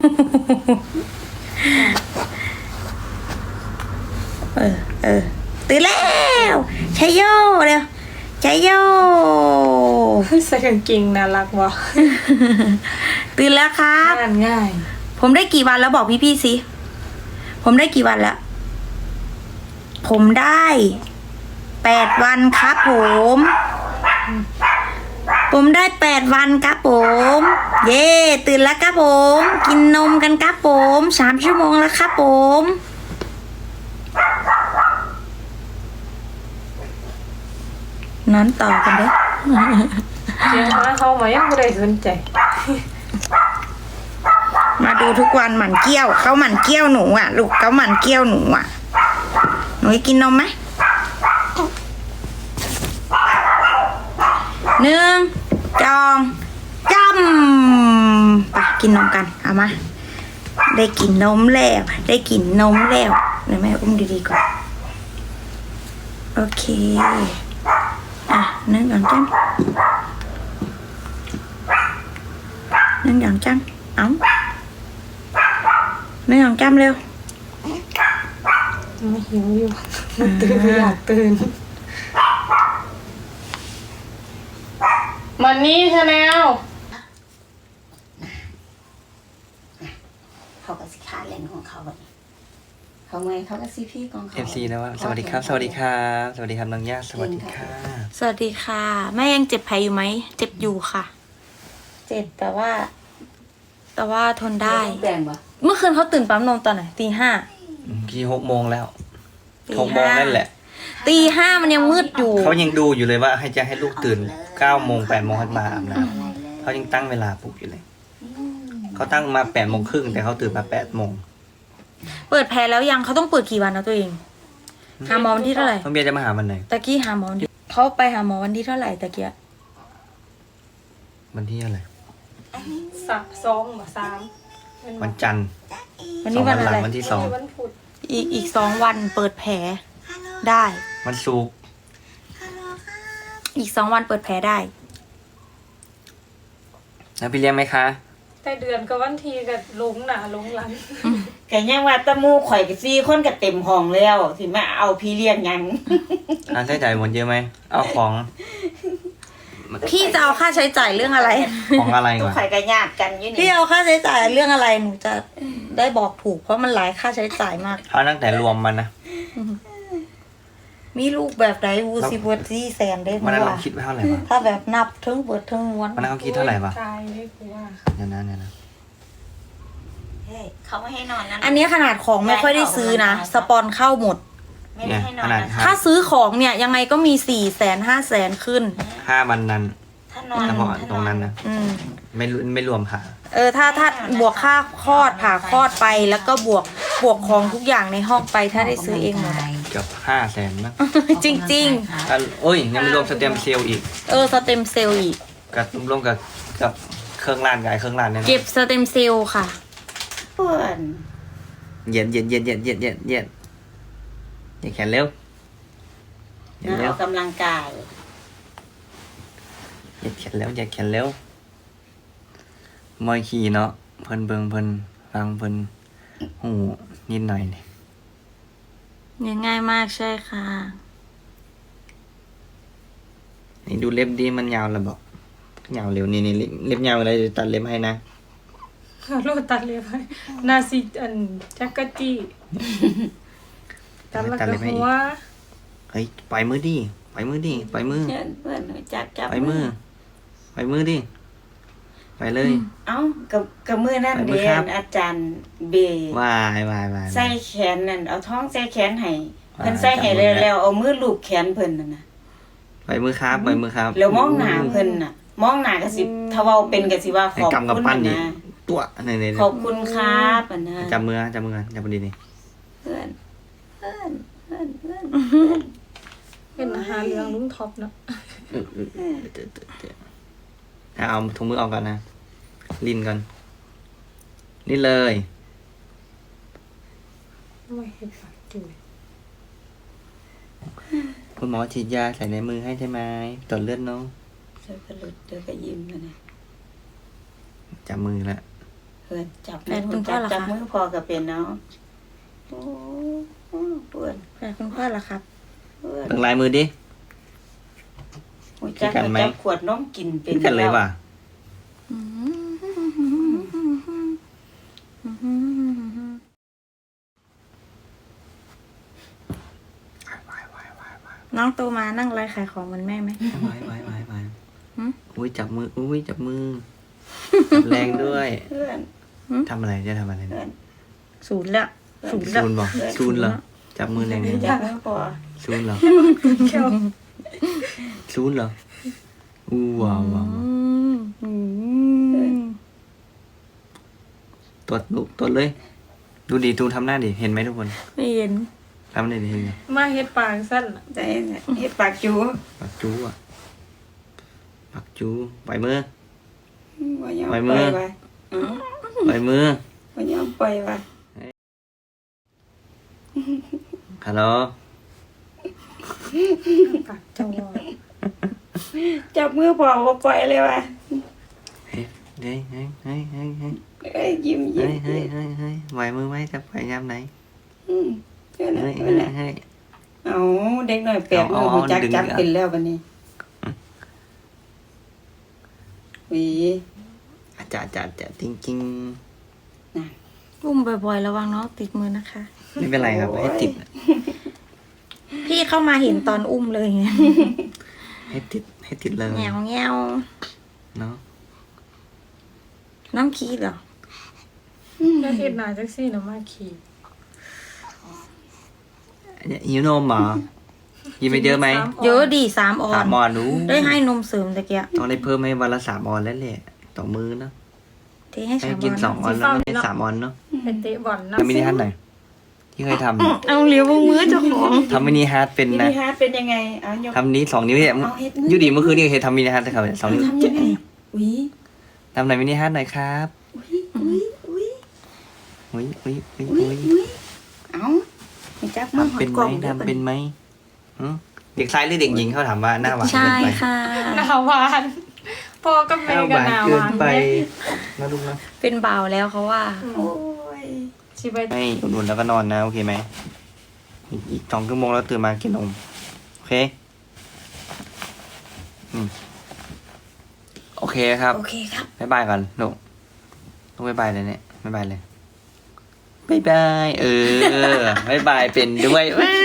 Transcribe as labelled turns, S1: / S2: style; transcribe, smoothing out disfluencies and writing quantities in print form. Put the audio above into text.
S1: ตื่นแล้วชัยโยเร็วชัยโย
S2: ใส่กางเกงน่ารักวะ
S1: ตื่นแล้วครับ
S2: ง่าย
S1: ผมได้กี่วันแล้วบอกพี่สิผมได้กี่วันแล้วผมได้8 วันครับผมได้8 วันครับผมเย่ตื่นแล้วครับผมกินนมกันครับผม3 ชั่วโมงแล้วครับผมนอนต่อกันเด้
S2: เดี๋ยวมาเขามายังไม่ได้สนใจ
S1: มาดูทุกวันหมั่นเกี้ยวเขาหมั่นเกี้ยวหนูอ่ะลูกเขาหมั่นเกี้ยวหนูอ่ะหนูกินนมไหม1 2 3ไปกินนมกันเอามาได้กินนมแล้วได้กินนมแล้วเดี๋ยวแม่อุ้มดีๆก่อนโอเค1 2 3 1 2 3เอา1 2 3เร็ว
S2: ไม่หิวอยู่ตื่นอยากตื่นมันนี่ชาแนล
S1: เขาก็สิขาเล่นของเขาแบบเขาไงเขาก็ซีพี่ของเขา
S3: FC นะว่าสวัสดีครับสวัสดีครับสวัสดีครับน้องย่าสวัสดีค่ะ
S1: สวัสดีค่ะแม่ยังเจ็บแผลอยู่ไหมเจ็บอยู่ค่ะเจ็บแต่ว่าทนได้เมื่อคืนเขาตื่นปั๊มนมตอนไหนตี 5
S3: กี่6 โมงแล้ว6 โมงนั่นแหละ
S1: ตี 5มันยังมืดอยู่
S3: เขายังดูอยู่เลยว่าให้ลูกตื่น9 โมง8 โมงให้มาอาบน้ำเขายังตั้งเวลาปลุกอยู่เลยเขาตั้งมา8 โมงครึ่งแต่เขาตื่นมา8 โมง
S1: เปิดแผลแล้วยังเขาต้องเปิดกี่วันนะตัวเองหาหมอวันที่เท่าไหร่
S3: น้องเบียร์จะมาหาวันไหน
S1: ตะกี้หาหมอเขาไปหาหมอวันที่เท่าไหร่ตะกี้
S3: วันที่อะไร
S2: 3
S3: วันจันทร์
S1: วันนี้วันอะไร
S3: วันที่2
S1: อีก2 วันเปิดแผลได้
S3: วันศุกร์
S1: อีก2 วันเปิดแผลได้
S3: แล้วพี่เลี้ยงไหมคะ
S2: แต่เดือนก็วันทีกับลงหนาลงหลัง
S4: แกยังว่าตะมูข่อยกับ4 คนก็เต็มห้องแล้วสิมาเอาพี่เลี้ยงยัง
S3: ใช้จ่ายหมดเยอะไหมเอาของ
S1: พี่จะเอาค่าใช้จ่ายเรื่องอะไร
S3: ของอะไรก่อน
S4: ข่อยก็ญาติกันอยู่นี่
S1: พี่เอาค่าใช้จ่ายเรื่องอะไรหนูจะได้บอกถูกเพราะมันหลายค่าใช้จ่ายมาก
S3: เอาตั้งแต่รวมมันนะ
S1: มีลูกแบบไหนวูซีเบิร์ดซี่แสนได้
S3: มันเราคิดไว้เท่าไหร่วะ
S1: ถ้าแบบนับทั้งเบิร์ดทั้งม้วน
S3: มันเขาคิดเท่าไหร่วะ
S2: เดี๋ยว
S3: นะ
S4: เขาไม่ให้นอนนะ
S1: อันนี้ขนาดของไม่ค่อยได้ซื้อนะสปอนเข้าหมด
S4: ไม่ได้ให้นอน
S1: ถ้าซื้อของเนี่ยยังไงก็มี400,000 500,000ขึ้น
S3: 5 วันนั้นเฉพาะตรงนั้นนะไม่รวมผ่า
S1: ถ้าบวกค่าคลอดผ่าคลอดไปแล้วก็บวกของทุกอย่างในห้องไปถ้าได้ซื้อเองหมด
S3: เกือบ500,000นะ
S1: จริงๆ
S3: โอ้ยยังไม่รวมสเต็มเซลล์อีก
S1: สเต็มเซลล์อีก
S3: กับรวมกับเครื่องล้านเครื่องล้านเนี่ย
S1: เก็บสเต็มเซลล์ค่ะ
S3: เย็นอย่าแขนเร็ว
S4: ออกกำลังกาย
S3: อย่าแขนเร็วมอยขี่เนาะเพิ่นเบิ่งเพิ่นฟังเพิ่นหูนิดหน่อย
S1: นี่ง่ายมากใช่ค่ะ
S3: นี่ดูเล็บดีมันยาวแล้วบอกยาวเร็วนี่เล็บยาวอะไรตัดเล็บให้นะ
S2: ลูกตัดเล็บให้นาซีจักรจี้ตัดแล้วก็หัว
S3: เฮ้ยปล่อยมือดิปล่อยมือ
S4: เพื่อนจับ
S3: ปล่อยมือดิไปเลย
S4: เอ้ากับมือนั่นเรียนอาจารย์เบ
S3: วาย
S4: ใส่แขนนั่นเอาท้องใส่แขนให้เพิ่นใส่ให้แล้วเอามือลูบแขนเพิ่นนั่นน่ะ
S3: ปล่อยมือครับ
S4: แล้วมองหน้าเพิ่นน่ะมองหน้าก็สิถ้าเว้าเป็นก็สิว่าขอบคุณนะ
S3: ตัวนี่
S4: ขอบคุณครับอันนะ
S3: จับมือดีนี่
S4: เพื่อน
S2: เป็นอาหารเลี้ยงลุงท็อปเนาะ
S3: เอาถุงมือออกก่อนนะลิ้นก่อนนี่เลย
S2: ไม่เห็นปากจุ๋ย
S3: คุณหมอฉีดยาใส่ในมือให้ใช่ไหมตรวจเลือดน้อง
S4: ใส่กระลุดเดี๋ยวก็ยิ้มนะ
S3: จับมือละ
S4: พื่อนจับ
S1: แฟนคุณพ่อเหรอคะ
S4: จับมือพอกับเป็นเนาะโอ้เพื่อน
S1: แฟนคุณพ่อเหรอครับ
S4: เพื่อน
S3: เบิ่งลายมือดิ
S4: หัวจัก
S3: กันไหม
S4: จับขวดน้องกินเป็น
S3: ขึ้นกันเลยว่ะ
S1: น้องโตมานั่งไลฟ์ขายของเหมือนแม่ไหม
S3: ไว้
S1: หืม
S3: อุ้ยจับมือจับแรงด้วย
S4: เพื่อน
S3: ทำอะไรจะทำอะไร
S4: เพื่อ
S3: เนี่ย
S4: น
S1: ศูนย์แล้วศูนย์แล้ว
S3: ซูนบอกซูนเหรอจับมือแรง
S4: จับมือพอ
S3: ๆซูนเหรอ
S2: แก้ว
S3: ซูนเหรออู้ว้าว ตรวจลูกตรวจเลย ดูดีดูทำหน้าดิเห็นไหมทุกคน
S1: ไม่เห็น
S3: ทำหน้าดิเห็นไหม
S2: มาเฮ็ดปากสั้นน่ะ
S4: ได้เฮ็ดปากจู
S3: ปักจูอ่ะปักจูปล่อยมือ
S4: บ่ยอม
S3: ไป
S4: ไป
S3: มือ
S4: ไปเอ้า
S3: ปล่อยมือ
S4: บ่ยอมไปไป
S3: ฮัลโหล
S2: ปากจังหวะ
S4: จับมือพอบ่ปล่อยเลยว่ะ
S3: เฮ้ยเฮ้ยเฮ้ยเฮ้ยเฮ้ยเฮ้ย
S4: เอ้ยยิ้ม
S3: เฮ้
S4: ยิ้
S3: ย
S4: ม
S3: เฮ้ยเฮ้ยเฮ้ยไหวมือไหมจะไปยามไหน
S4: เพื่อน
S3: เฮ้ย
S4: เพื่
S3: เฮ้
S4: อย น
S3: เฮ้ย
S4: เอาเด็กหน่อยแปดมือ
S3: เอา
S4: หูจัก
S3: ดึง
S4: จับ
S3: อ่ะ
S4: เป็นแล้วบัดนี้หวี
S3: อาจารย์จริง
S1: อุ้มบ่อยๆระวังน้องติดมือนะคะ
S3: ๆไม่เป็นไรครับให้ติด
S1: พี่เข้ามาเห็นตอนอุ้มเลยไง
S3: ให้ติดเลย
S1: แงวแงว
S3: เนาะ
S1: น้องคีดเหรอ
S2: แล้วเฮ็ดหน้าจังซี่น่ะมาขี่
S3: หิวนมเหรอกินไปเยอะไหม
S1: เยอะดี3 ออ
S3: สาน มออนรู้
S1: ได้ให้นมเสริมตะเกีย
S3: ต้องได้เพิ่มให้วันละ3 ออนแล้วแหละต่อมื้อเนาะ
S1: ที่ให้
S3: ให้
S1: 3
S3: กิน
S1: ออน
S3: 2 ออนแล้วไม่ได้3 ออนเนาะ
S2: ไปเตะบอลนะ
S3: ทำมินิฮาร์ดหน่อยที่เคยทำ
S1: เอาเหลียวมือเจ้าของ
S3: ทำมินิฮาร์ดเป็น
S4: มิ
S3: นะ
S4: นิฮาร์ทเป็นยังไงเอายก
S3: ทำนี้2 นิ้วเนี่ย
S4: เอาเฮ็ดมือ
S3: ยูดีเมื่อคืนนี่เคยทำมินิฮาร์ดครับ2 นิ้ว
S4: ทำยังไงอุ้ย
S3: ทำหน่อยมินิฮาร์ดหน่อยครับ
S4: อุ้ย
S3: อุ้ย
S4: เอาไม่จับมือหอ
S3: ทำเป็
S4: ด
S3: น
S4: ก
S3: ไห
S4: ล่
S3: ม
S4: องด้วย
S3: ทำเป็นไหมหึเด็กชายหรือเด็กหญิงเขาถามว่าหน้าหวาน
S1: ใช่
S3: เกินไป
S1: ค่ะ
S2: หน้าหวานพ่อกับ
S3: ห
S2: แม่
S3: น้าห
S2: ก็
S3: วาน
S2: หน้าห
S3: เกิน
S2: วาน
S3: ไป
S2: แม่
S3: นะลูกนะ
S1: เป็นบ่าวแล้วเขาว่า
S4: โอ้ย
S2: สิไป
S3: ไม่อุ่นๆแล้วก็นอนนะโอเคไหมอีก2 ชั่วโมงแล้วตื่นมากินนมโอเคโอเคครับ
S1: โอเคครับ
S3: บ๊ายบายก่อนลูกต้องบ๊ายบายเลยเนี่ยบ๊ายบายเลยบ๊ายบายบ๊ายบายเป็นด้วยว้า